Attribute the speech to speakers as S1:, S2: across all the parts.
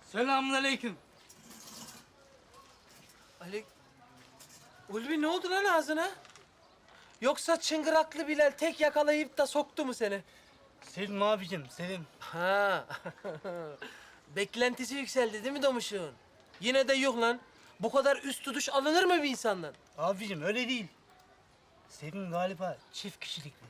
S1: Selamünaleyküm.
S2: Ali... Ulvi ne oldu lan ağzına? Yoksa çıngıraklı Bilal tek yakalayıp da soktu mu seni?
S1: Sevim abicim, Sevim.
S2: Ha. Beklentisi yükseldi değil mi Domuş'un? Yine de yok lan. Bu kadar üst tutuş alınır mı bir insandan?
S1: Abicim öyle değil. Sevim galiba çift kişilikli.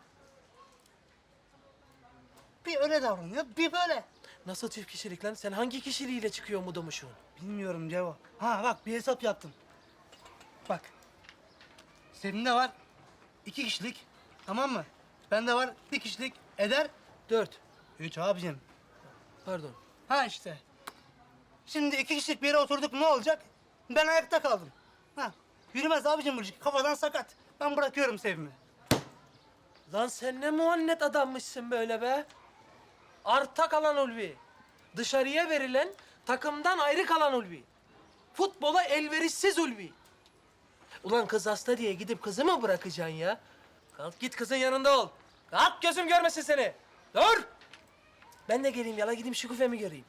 S1: Bir öyle davranıyor, bir böyle.
S2: Nasıl çift kişilik lan? Sen hangi kişiliğiyle çıkıyor mu Domuş'un?
S1: Bilmiyorum Ceva. Ha bak bir hesap yaptım. Bak. Sevim'de var 2 kişilik. Tamam mı? Bende var 1 kişilik. Eder
S2: 4.
S1: 3 abicim.
S2: Pardon.
S1: Ha işte. Şimdi 2 kişilik bir yere oturduk ne olacak? Ben ayakta kaldım. Ha. Yürümez abicim bu ilişki. Kafadan sakat. Ben bırakıyorum Sevim'i.
S2: Lan sen ne muannet adammışsın böyle be. Arta kalan Ulvi. Dışarıya verilen, takımdan ayrı kalan Ulvi. Futbola elverişsiz Ulvi. Ulan kız hasta diye gidip kızı mı bırakacaksın ya? Kalk git kızın yanında ol. Kalk gözüm görmesin seni. Dur! Ben de geleyim yala gideyim Şükufe'mi göreyim.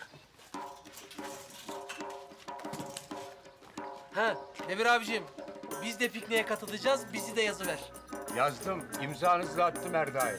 S2: Ha Devir abicim, biz de pikniğe katılacağız, bizi de yazıver.
S3: Yazdım. İmzanızla attım Erda'ya.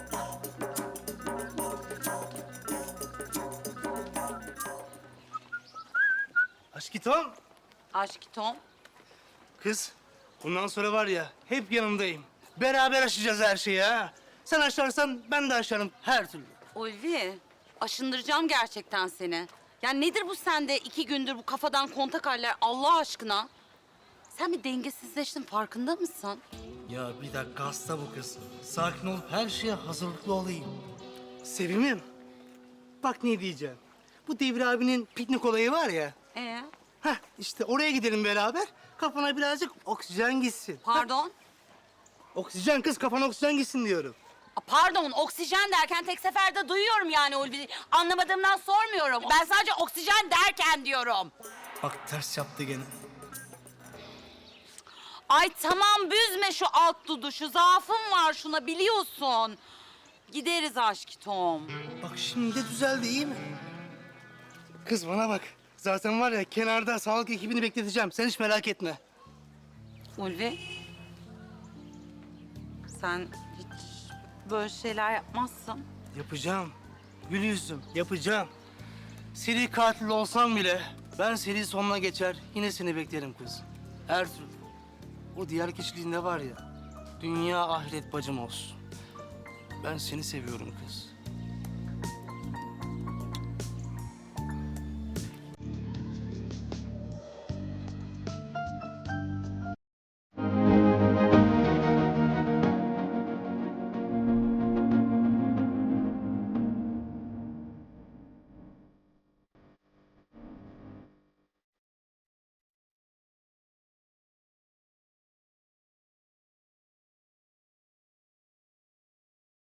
S1: Aşkitom.
S4: Aşk Tom.
S1: Kız, bundan sonra var ya hep yanındayım. Beraber aşacağız her şeyi ha. Sen aşarsan ben de aşarım her türlü.
S4: Ulvi, aşındıracağım gerçekten seni. Ya nedir bu sende 2 gündür bu kafadan kontak haller Allah aşkına? Sen bir dengesizleştin farkında mısın?
S1: Ya bir dakika hasta bu kız. Sakin olup her şeye hazırlıklı olayım. Sevimim. Bak ne diyeceğim. Bu Devir abinin piknik olayı var ya. Heh işte oraya gidelim beraber. Kafana birazcık oksijen gitsin.
S4: Pardon?
S1: Oksijen kız kafana oksijen gitsin diyorum.
S4: Pardon, oksijen derken tek seferde duyuyorum yani Ulvi. Anlamadığımdan sormuyorum. Ben sadece oksijen derken diyorum.
S1: Bak ters yaptı gene.
S4: Ay tamam büzme şu alt duduşu. Zaafım var şuna biliyorsun. Gideriz aşk Tom.
S1: Bak şimdi de düzeldi iyi mi? Kız bana bak. Zaten var ya kenarda sağlık ekibini bekleteceğim. Sen hiç merak etme.
S4: Ulvi. Sen hiç böyle şeyler yapmazsın.
S1: Yapacağım. Gül yüzüm yapacağım. Seri katil olsam bile ben seri sonuna geçer yine seni beklerim kız. Her türlü. O diğer kişiliğinde var ya dünya ahiret bacım olsun. Ben seni seviyorum kız.